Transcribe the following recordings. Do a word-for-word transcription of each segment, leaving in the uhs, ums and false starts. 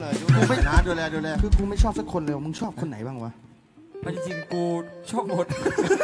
กูไม่นะดูแลดูแลคือกูไม่ชอบสักคนเลยมึงชอบคนไหนบ้างวะจริงๆกูชอบหมด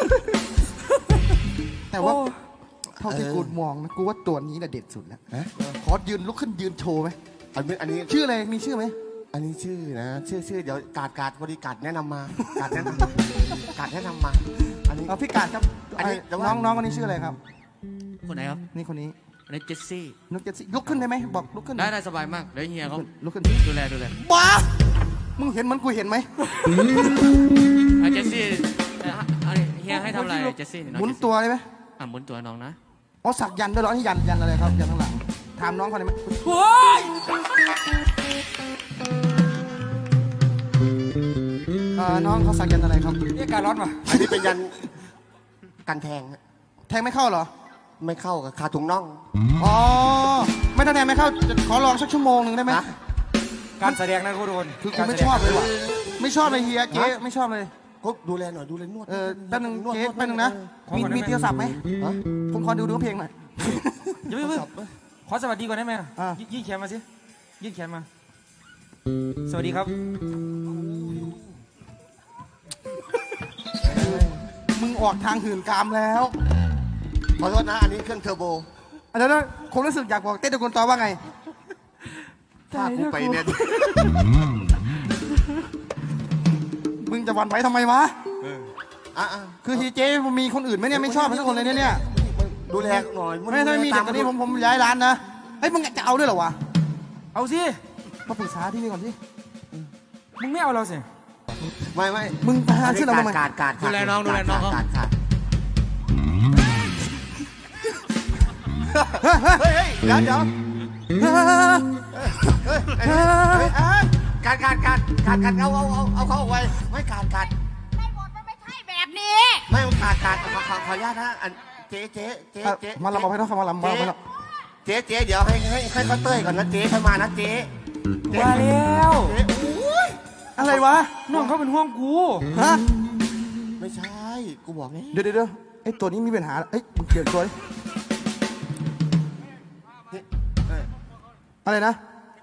แต่ว่าเท่าที่กูมองนะกูว่าตัวนี้แหละเด็ดสุดแล้วขอยืนลุกขึ้นยืนโชว์ไหมอันนี้อันนี้ชื่ออะไรมีชื่อไหมอันนี้ชื่อนะชื่อชื่อเดี๋ยวกาดกาดบริการแนะนำมากาดแนะนำกาดแนะนำมาอันนี้เอาพี่กาดครับอันนี้น้องน้องคนนี้ชื่ออะไรครับคนไหนครับนี่คนนี้อันนี้เจสซี่นุกเจสซี่ลุกขึ้นได้ไหมบอกลุกขึ้นได้ได้สบายมากเดี๋ยวเฮียเขาลุกขึ้นดูแลดูแลบ้ามึงเห็นมันกูเห็นไหมเจสซี่เฮียให้ทำอะไรเจสซี่หมุนตัวได้ไหมอ่ะหมุนตัวน้องนะอ๋อสักยันด้วยเหรอนี่ยันยันอะไรครับยันข้างหลังถามน้องเขาได้ไหมโอ้ยน้องเขาสักยันอะไรครับนี่การร้อนป่ะอันนี้เป็นยันกันแทงแทงไม่เข้าเหรอไม่เข้ากับคาถุงน่องอ๋อไม่ต้องแทงไม่เข้าขอลองสักชั่วโมงหนึ่งได้ไหมการแสดงนะคุณโดนคือกูไม่ชอบเลยว่ะไม่ชอบเลยเฮียเจ๊ไม่ชอบเลยก็ดูแลหน่อยดูแลนวดเออแป๊บนึงเจ๊แป๊บนึงนะมีมีโทรศัพท์ไหมผมขอดูดูเพลงหน่อยอย่าเพิ่งขอสวัสดีก่อนได้ไหมยื่นแขนมาสิยื่นแขนมาสวัสดีครับมึงออกทางหื่นกามแล้วขอโทษนะอันนี้เครื่องเทอร์โบอันนั้นผมรู้สึกอยากบอกเต้ตะกุนต่อว่าไงถ้ากูไปเนี่ยมึงจะวันไว้ทำไมวะอ่ะคือทีเจมันมีคนอื่นไหมเนี่ยไม่ชอบทุกคนเลยเนี่ยดูแลหน่อยไม่ไม่มีเด็กคนนี้ผมผมย้ายร้านนะเฮ้ยมึงจะเอาด้วยเหรอวะเอาสิมาปรึกษาที่นี่ก่อนสิมึงไม่เอาเราสิไม่ไม่มึงพาชื่อเราทำไมการการดูแลน้องดูแลน้องเขาเฮ้ยเดี๋ยวเดี๋ยวการการการการการเอาเอาเอาเอาเขาเอาไว้ไม่การการไม่หมดมันไม่ใช่แบบนี้ไม่การการขอขอขออนุญาตนะอันเจ๊เจ๊เจ๊เจ๊มาลำบากให้น้องมาลำบากให้น้องเจ๊เจ๊เดี๋ยวให้ให้ให้เขาเต้ยก่อนนะเจ๊เข้ามานะเจ๊มาแล้วอะไรวะน้องเขาเป็นห่วงกูฮะไม่ใช่กูบอกไงเดี๋ยวเดี๋ยวไอ้ตัวนี้มีปัญหาเอ้ยมึงเปลี่ยนตัวดิอะไรนะ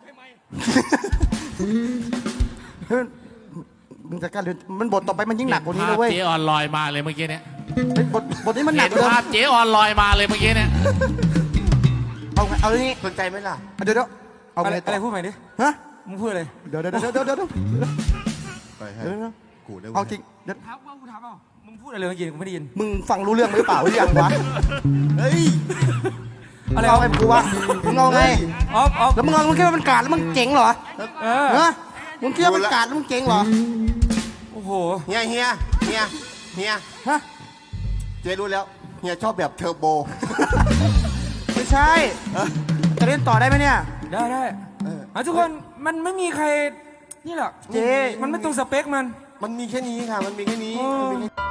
มึงจะกล้าเรียนมันบทต่อไปมันยิ่งหนักกว่านี้นะเว้ยเจ๊ออนลอยมาเลยเมื่อกี้เนี่ยบทบทนี้มันหนักกว่าเดิมภาพเจ๊ออนลอยมาเลยเมื่อกี้เนี่ยเอาเอาเรื่องนี้สนใจไหมล่ะเดี๋ยวเดี๋ยวเอาอะไรอะไรพูดใหม่ดิฮะมึงพูดอะไรเดี๋ยวเดี๋ยวเดี๋ยวเดี๋ยวเดี๋ยวไปให้กูได้เอาจริงเดี๋ยวถามว่ากูถามเปล่ามึงพูดอะไรเมื่อกี้กูไม่ได้ยินมึงฟังรู้เรื่องหรือเปล่าหรือยังวะเฮ้ยอะไรเอาไอ้กูวะมึงเอาไงอ๋ออ๋อแล้วมึงเอามึงคิดว่ามันกาดแล้วมึงเจ๋งเหรอเออเนอะมึงคิดว่ามันกาดแล้วมึงเจ๋งเหรอโอ้โหเฮียเฮียเฮียเฮียฮะเจ๊รู้แล้วเฮียชอบแบบเทอร์โบไม่ใช่จะเล่นต่อได้ไหมเนี่ยได้ได้อ่ะทุกคนมันไม่มีใครนี่แหละเจ๊มันไม่ตรงสเปคมันมันมีแค่นี้ค่ะมันมีแค่นี้